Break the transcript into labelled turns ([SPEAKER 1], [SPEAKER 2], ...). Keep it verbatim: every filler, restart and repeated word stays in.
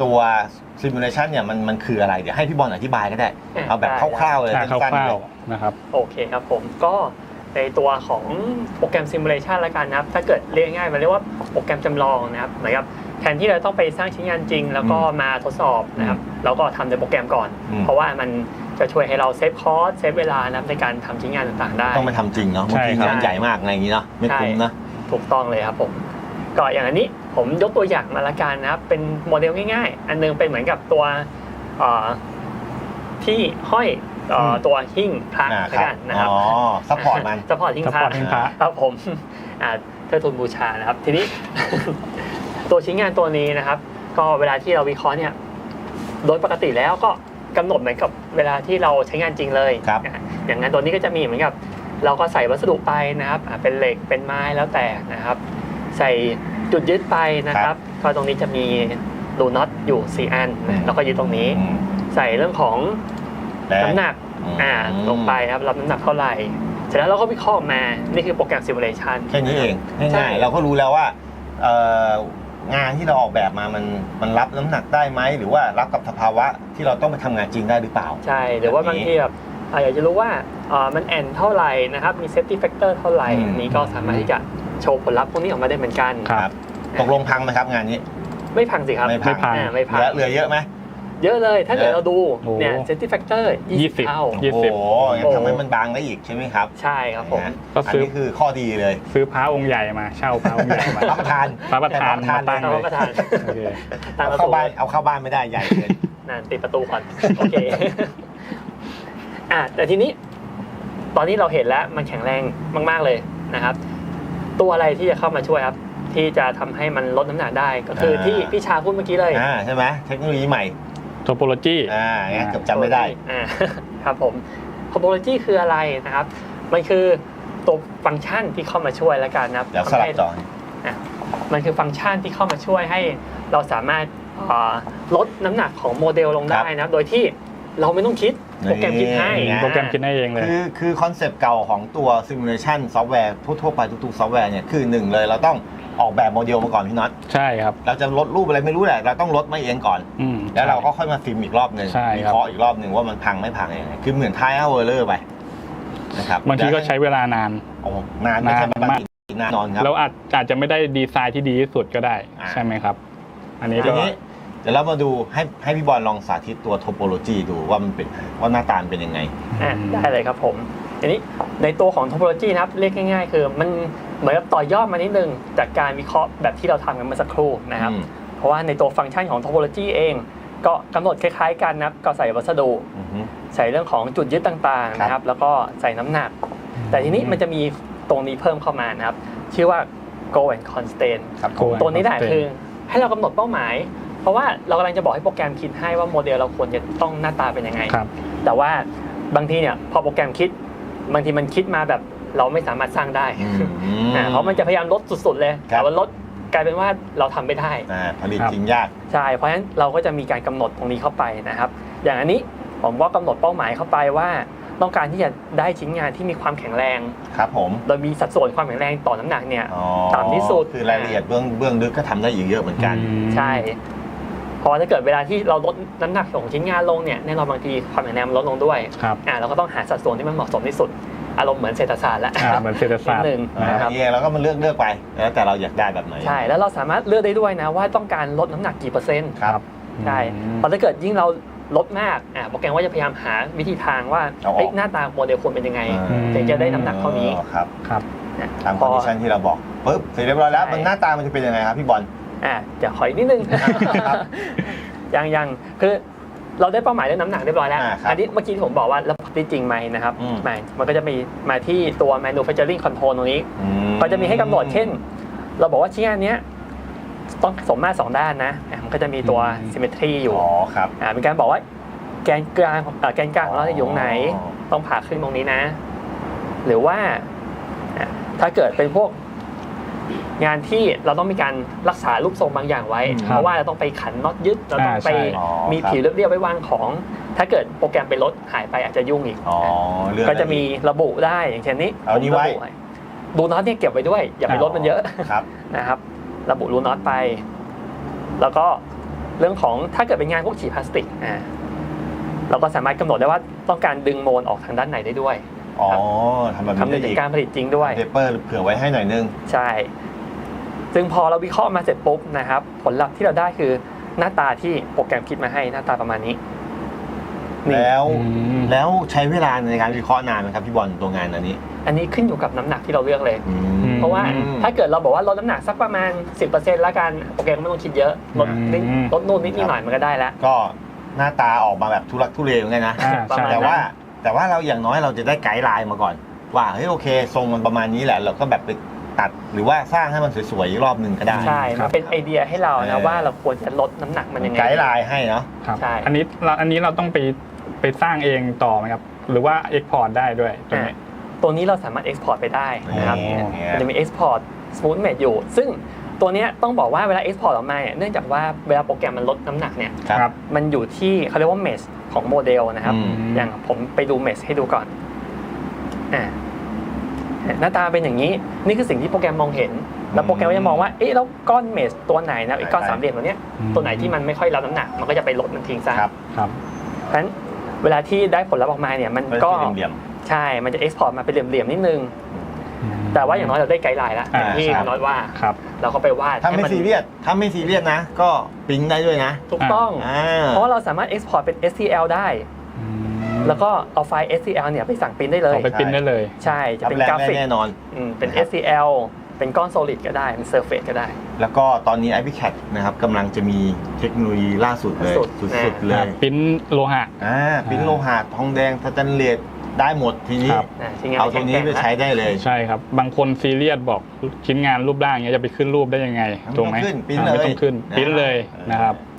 [SPEAKER 1] ตัวซิมูเลชันเนี่ยมันมันคืออะไรเดี๋ยวให้พี่บอลอธิบายก็ได้เอาแบบคร่าวๆเลยสั้นๆเลย
[SPEAKER 2] นะครับ
[SPEAKER 3] โอเคครับผมก็ในตัวของโปรแกรมซิมูเลชันละกันนะครับถ้าเกิดเรียกง่ายมันเรียกว่าโปรแกรมจำลองนะครับเหมือนกับแทนที่เราต้องไปสร้างชิ้นงานจริงแล้วก็มาทดสอบนะครับเราก็ทำในโปรแกรมก่อนเพราะว่ามันจะช่วยให้เราเซฟคอสเซฟเวลานะในการทำชิ้นงานต่างๆได้
[SPEAKER 1] ต้องไปทำจริงเนาะบางทีงานใหญ่มากอะไรอย่างนี้เนาะไม่คุ้มนะ
[SPEAKER 3] ถูกต้องเลยครับผมก็อย่างอันนี้ผมยกตัวอย่างมาละกันนะครับเป็นโมเดลง่ายๆอันนึงเป็นเหมือนกับตัวที่ห้อยตัวหิ้งพระกันนะครับ
[SPEAKER 1] อ๋อซัพพอร์ตมัน
[SPEAKER 3] ซัพพอร์ตหิ้งพระครับผมเทิดทูนบูชานะครับทีนี้ ตัวชิ้นงานตัวนี้นะครับก็เวลาที่เราวิเคราะห์เนี่ยโดยปกติแล้วก็กำหนดเหมือนกับเวลาที่เราใช้งานจริงเลยอย่างนั้นตัวนี้ก็จะมีเหมือนกับเราก็ใส่วัสดุไปนะครับเป็นเหล็กเป็นไม้แล้วแต่นะครับใส่จุดยึดไปนะครับก็ตรงนี้จะมีรูน็อตอยู่สี่อันแล้วก็ยึดตรงนี้ใส่เรื่องของน้ำหนักอ่าลงไปครับรับน้ำหนักเท่าไหร่เสร็จแล้วเราก็วิเคราะห์มานี่คือโปรแกรมซิมูเลชัน
[SPEAKER 1] แค่นี้เองง่ายๆเราก็รู้แล้วว่างานที่เราออกแบบมามันมันรับน้ำหนักได้ไหมหรือว่ารับกับสภาวะที่เราต้องไปทำงานจริงได้หรือเปล่า
[SPEAKER 3] ใช่หรือว่าบางทีแบบอยากจะรู้ว่ามันแอนเท่าไหร่นะครับมีเซฟตี้แฟกเตอร์เท่าไหร่นี้ก็สามารถที่จะโชว์ผลลัพธ์พวกนี้ออกมาได้เหมือนกัน
[SPEAKER 1] ครับตกลงพังไหมครับงานนี้
[SPEAKER 3] ไม่พังสิครับ
[SPEAKER 1] ไม่พัง
[SPEAKER 3] ไม่พัง
[SPEAKER 1] เหลือเยอะไหม
[SPEAKER 3] เยอะเลยถ้าเกิดเราดูเนี่ยเซฟตี้แฟกเตอร์ยี่สิบเท่า
[SPEAKER 1] โอ้โหทำให้มันบางได้อีกใช่ไหมครับ
[SPEAKER 3] ใช่ครับผม
[SPEAKER 1] อันนี้คือข้อดีเลย
[SPEAKER 2] ซื้อพระองค์ใหญ่มาเช่าพระองค์ใหญ่มา
[SPEAKER 1] รับประทาน
[SPEAKER 2] พระประธานมาตั้งเลย
[SPEAKER 1] เอาเข้าบ้านเอาเข้าบ้านไม่ได้ใหญ่เกิน
[SPEAKER 3] นั่นติดประตูก่อนโอเคอ่ะแต่ทีนี้ตอนนี้เราเห็นแล้วมันแข็งแรงมากๆเลยนะครับตัวอะไรที่จะเข้ามาช่วยครับที่จะทำให้มันลดน้ำหนักได้ก็คือที่พี่ชาพูดเมื่อกี้เลย
[SPEAKER 1] อ่าใช่ไหมเทคโนโลยีใหม่
[SPEAKER 2] โทโปโลจี
[SPEAKER 1] อ่าเนี่ยเกือบจำไม่ได้
[SPEAKER 3] อ่าครับผมโทโปโลจีคืออะไรนะครับมันคือตัวฟังก์ชันที่เข้ามาช่วยแล้วกันนะครับ
[SPEAKER 1] เดี๋ยวสลับต่อ
[SPEAKER 3] อ่ะมันคือฟังก์ชันที่เข้ามาช่วยให้เราสามารถลดน้ำหนักของโมเดลลงได้นะโดยที่เราไม่ต้องคิดโปรแกรมคิดให้
[SPEAKER 2] โปรแกรมคิดให้เองเลย
[SPEAKER 1] คือคือคอนเซปต์เก่าของตัวซิมูเลชันซอฟต์แวร์ทั่วๆไปทุกๆซอฟต์แวร์เนี่ยคือหนึ่งเลยเราต้องออกแบบโมเดลมาก่อนพี่น็อต
[SPEAKER 2] ใช่ครับ
[SPEAKER 1] เราจะลดรูปอะไรไม่รู้แหละเราต้องลดมาเองก่อนแล้วเราก็ค่อยมาฟิล์มอีกรอบหนึ่งวิเคราะห์อีกรอบหนึ่งว่ามันพังไม่พังยังไงคือเหมือนทายเอาเวอร์เลอร์ไปนะครับ
[SPEAKER 2] บางทีก็ใช้เวลานาน
[SPEAKER 1] โอ้นานไม่ใช่มากนานนอนครับ
[SPEAKER 2] เราอาจอาจจะไม่ได้ดีไซน์ที่ดีที่สุดก็ได้ใช่ไหมครับอันนี้ก็
[SPEAKER 1] เดี๋ยวเรามาดูให้ให้พี่บอลลองสาธิตตัวโทโปโลจีดูว่ามันเป็นว่าหน้าตาเป็นยังไง
[SPEAKER 3] ได้เลยครับผมอันนี้ในตัวของโทโปโลจีนะครับเรียกง่ายๆคือมันเหมือนกับต่อยอดมานิดนึงจากการวิเคราะห์แบบที่เราทำกันเมื่อสักครู่นะครับเพราะว่าในตัวฟังก์ชันของโทโปโลจีเองก็กำหนดคล้ายๆกันนะครับก็ใส่วัสดุใส่เรื่องของจุดยึดต่างๆนะครับแล้วก็ใส่น้ำหนักแต่ทีนี้มันจะมีตรงนี้เพิ่มเข้ามานะครับชื่อว่า goal and constraint ตัวนี้แหละคือให้เรากำหนดเป้าหมายเพราะว่าเรากำลังจะบอกให้โปรแกรมคิดให้ว่าโมเดลเราควรจะต้องหน้าตาเป็นยังไงแต่ว่าบางทีเนี่ยพอโปรแกรมคิดบางทีมันคิดมาแบบเราไม่สามารถสร้างได้เพราะมันจะพยายามลดสุดๆเลยแต่ว่าลดกลายเป็นว่าเราทำไม่ได้
[SPEAKER 1] ผลิตจริงยาก
[SPEAKER 3] ใช่เพราะฉะนั้นเราก็จะมีการกำหนดตรงนี้เข้าไปนะครับอย่างอันนี้ผมก็กำหนดเป้าหมายเข้าไปว่าต้องการที่จะได้ชิ้นงานที่มีความแข็งแรง
[SPEAKER 1] ครับผม
[SPEAKER 3] โดยมีสัดส่วนความแข็งแรงต่อน้ำหนักเนี่ยต่ำที่สุด
[SPEAKER 1] คือรายละเอียดเบื้องเบื้องลึกก็ทำได้อีกเยอะเหมือนกัน
[SPEAKER 3] ใช่พอถ้าเกิดเวลาที่เราลดน้ำหนักของชิ้นงานลงเนี่ยแน่นอนบางทีความแข็งแรงลดลงด้วยอ่าเราก็ต้องหาสัดส่วนที่มันเหมาะสมที่สุดอารมณ์เหมือนเศรษฐศาสตร์แล้ว
[SPEAKER 2] เหมือนเศรษฐศาสตร์
[SPEAKER 3] หนึ่ง
[SPEAKER 1] นะครับแล้วก็มันเลือกเลือกไปแล้วแต่เราอยากได้แบบไหน
[SPEAKER 3] ใช่แล้วเราสามารถเลือกได้ด้วยนะว่าต้องการลดน้ำหนักกี่เปอร์เซ็นต์
[SPEAKER 1] ครับ
[SPEAKER 3] ใช่พอถ้าเกิดยิ่งเราลดมากอ่าโปรแกรมว่าจะพยายามหาวิธีทางว่าหน้าตาโมเดลควรเป็นยังไงถึงจะได้น้ำหนักเท่านี้
[SPEAKER 1] ครับ
[SPEAKER 2] ครับ
[SPEAKER 1] ตามคอนดิชันที่เราบอกปุ๊บเสร็จเรียบร้อยแล้วมันหน้าตามันจะเป็นยังไงครับพี่บอล
[SPEAKER 3] อ่าเดี๋ยวขออีกนิดนึงยังยังคือเราได้เป้าหมายเรื่องน้ำหนักเรียบร้อยแล้วอันนี้เมื่อกี้ที่ผมบอกว่าแล้วได้จริงไหมนะครับไม่มันก็จะมีมาที่ตัว manufacturing control ตรงนี้ก็จะมีให้กำหนดเช่นเราบอกว่าชิ้นงานนี้ต้องสมมาตรสองด้านนะมันก็จะมีตัว symmetry อยู่
[SPEAKER 1] อ๋อครับ
[SPEAKER 3] อ่าเป็นการบอกว่าแกนกลางแกนกลางของเราอยู่ตรงไหนต้องผ่าครึ่งตรงนี้นะหรือว่าถ้าเกิดเป็นพวกงานที่เราต้องมีการรักษารูปทรงบางอย่างไว้เพราะว่าเราต้องไปขันน็อตยึดเราต้องไปมีผิวเรียบๆไว้วางของถ้าเกิดโปรแกรมไปลดหายไปอาจจะยุ่งอีกก็จะมีระบุได้อย่างเช่นนี้
[SPEAKER 1] เอานี้ไว้
[SPEAKER 3] รูน็อตเนี่ยเก็บไว้ด้วยอย่าไปลดมันเยอะนะครับระบุรูน็อตไปแล้วก็เรื่องของถ้าเกิดเป็นงานพวกฉีดพลาสติกอ่าเราก็สามารถกำหนดได้ว่าต้องการดึงโมลออกทางด้านไหนได้ด้วย
[SPEAKER 1] อ๋อทำแบบ
[SPEAKER 3] คำนึ
[SPEAKER 1] นี้
[SPEAKER 3] ง
[SPEAKER 1] ได้
[SPEAKER 3] ถึ
[SPEAKER 1] อี
[SPEAKER 3] ง
[SPEAKER 1] ก
[SPEAKER 3] การผลิตจริงด้วย
[SPEAKER 1] เปเปอร์เผื่อไว้ให้หน่อยนึง
[SPEAKER 3] ใช่ ซึ่งพอเราวิเคราะห์มาเสร็จปุ๊บนะครับ ผลลัพธ์ที่เราได้คือหน้าตาที่โปรแกรมคิดมาให้หน้าตาประมาณนี้นี่
[SPEAKER 1] แล้ว
[SPEAKER 2] อืม
[SPEAKER 1] แล้วใช้เวลาในการวิเคราะห์นานไหมครับพี่บอลตัวงานอันนี้
[SPEAKER 3] อันนี้ขึ้นอยู่กับน้ำหนักที่เราเลือกเลย
[SPEAKER 1] อืม
[SPEAKER 3] เพราะว่าถ้าเกิดเราบอกว่าลดน้ำหนักสักประมาณ สิบเปอร์เซ็นต์ แล้วกันโปรแกรมไม่ต้องคิดเยอะลดนิด
[SPEAKER 2] อืม
[SPEAKER 3] ลดนู่นนิดนิดหน่อยมันก็ได้แล้ว
[SPEAKER 1] ก็หน้าตาออกมาแบบทุลักทุเลเหมือนกันนะ
[SPEAKER 2] อ่า
[SPEAKER 3] ประ
[SPEAKER 2] ใช่
[SPEAKER 3] มาณ
[SPEAKER 1] แต่ว่าแต่ว่าเราอย่างน้อยเราจะได้ไกด์ไลน์มาก่อน ว่าเฮ้ยโอเค ทรงมันประมาณนี้แหละ เราก็แบบไปตัดหรือว่าสร้างให้มันสวยๆอีกรอบหนึ่งก็ได้
[SPEAKER 3] ใช่
[SPEAKER 2] ครั
[SPEAKER 3] มั
[SPEAKER 2] บ
[SPEAKER 3] นเป็นไอเดียให้เรา
[SPEAKER 1] เอ
[SPEAKER 3] นะ
[SPEAKER 1] อ
[SPEAKER 3] ว่าเราควรจะลดน้ำหนักมันยังไง
[SPEAKER 1] ไกด์ไลน์ให้เนาะ
[SPEAKER 2] ครับ
[SPEAKER 3] ใช่
[SPEAKER 2] อันนี้เราอันนี้เราต้องไปไปสร้างเองต่อไหมครับ หรือว่า Export ได้ด้วยตรงนี้
[SPEAKER 3] อ่ะตัวนี้เราสามารถ Export ไปได้นะครับ
[SPEAKER 1] อ๋อ
[SPEAKER 3] มันจะมี Export Smooth Mate อยู่ ซึ่งตัวเนี้ยต้องบอกว่าเวลา Export ออกมาเนี่ยเนื่องจากว่าเวลาโปรแกรมมันลดน้ำหนักเนี่ย
[SPEAKER 1] ครับ
[SPEAKER 3] มันอยู่ที่เขาเรียกว่า mesh ของโมเดลนะครับ
[SPEAKER 1] อืม
[SPEAKER 3] อย่างผมไปดู mesh ให้ดูก่อนอ่าหน้าตาเป็นอย่างนี้ นี่คือสิ่งที่โปรแกรมมองเห็น แล้วโปรแกรมก็จะมองว่า เอ๊ะ แล้วก้อน mesh ตัวไหนนะไอ้ก้อนสามเหลี่ยมตัวเนี้ย
[SPEAKER 2] อืม
[SPEAKER 3] ตัวไหนที่มันไม่ค่อยรับน้ำหนัก มันก็จะไปลดมันทิ้งซะ
[SPEAKER 1] ครับ
[SPEAKER 2] ครับ
[SPEAKER 3] เพราะฉะนั้นเวลาที่ได้ผลลัพธ์ออกมาเนี่ยมัน
[SPEAKER 1] มัน
[SPEAKER 3] ก็
[SPEAKER 1] เป็นเหลี่ยม
[SPEAKER 3] ใช่ มันจะ export มาเป็นเหลี่ยมๆนิดนึง
[SPEAKER 1] ๆ
[SPEAKER 3] แต่ว่าอย่างน้อยเราได้ไกด์ไลน์แล้วอย่างที่
[SPEAKER 1] อ่าครับ
[SPEAKER 3] น้อยว่า
[SPEAKER 2] ครับ
[SPEAKER 3] เราก็ไปวาด
[SPEAKER 1] ถ้าไม่
[SPEAKER 3] ให้น
[SPEAKER 1] ซีเรียสถ้าไม่ซีเรียสนะ ก็ปริ้นได้ด้วยนะ
[SPEAKER 3] ถูกต้อง
[SPEAKER 1] อ่า
[SPEAKER 3] เพราะว่าเราสามารถ export เป็น เอส ที แอล ได้
[SPEAKER 2] อืม
[SPEAKER 3] แล้วก็เอาไฟล์ เอส ที แอล เนี่ยไปสั่งปริ้นได้เลย
[SPEAKER 2] เอาไปปริ้นได้เลย
[SPEAKER 3] ใช่ จะ
[SPEAKER 1] รับ
[SPEAKER 3] เป็น
[SPEAKER 1] แรง
[SPEAKER 3] กรา
[SPEAKER 1] ได้
[SPEAKER 3] ฟิก
[SPEAKER 1] แน่นอน
[SPEAKER 3] อืมเป็น
[SPEAKER 1] นะค
[SPEAKER 3] เอ
[SPEAKER 1] รับ
[SPEAKER 3] ส ที แอล เป็นก้อน solid ก็ได้ เป็น surface ก็ได้
[SPEAKER 1] แล้วก็ตอนนี้ ไอ พี แคท นะครับกำลังจะมีเทคโนโลยีล่าสุดเลย
[SPEAKER 3] สุด
[SPEAKER 1] สุดๆเลย
[SPEAKER 2] ปริ้นโลหะ
[SPEAKER 1] อ่าปริ้นโลหะทองแดงสแตนเลสได้หมดทีนี้
[SPEAKER 2] ครับ
[SPEAKER 3] นะชิ้นงาน
[SPEAKER 1] เอาตัวนี้ไปใช้ได้เลย
[SPEAKER 2] ใช่ครับ บางคนซีเรียสบอกชิ้นงานรูปร่างอย่างเงี้ยจะไปขึ้นรูปได้ยังไง
[SPEAKER 1] ไม่
[SPEAKER 2] ถูกไหม
[SPEAKER 1] ต้องขึ้นปริ้น
[SPEAKER 2] อ่า
[SPEAKER 1] เลย
[SPEAKER 2] ไม่ต้องขึ้น
[SPEAKER 1] นะ
[SPEAKER 2] ปริ้นเลยนะครับ
[SPEAKER 1] เออ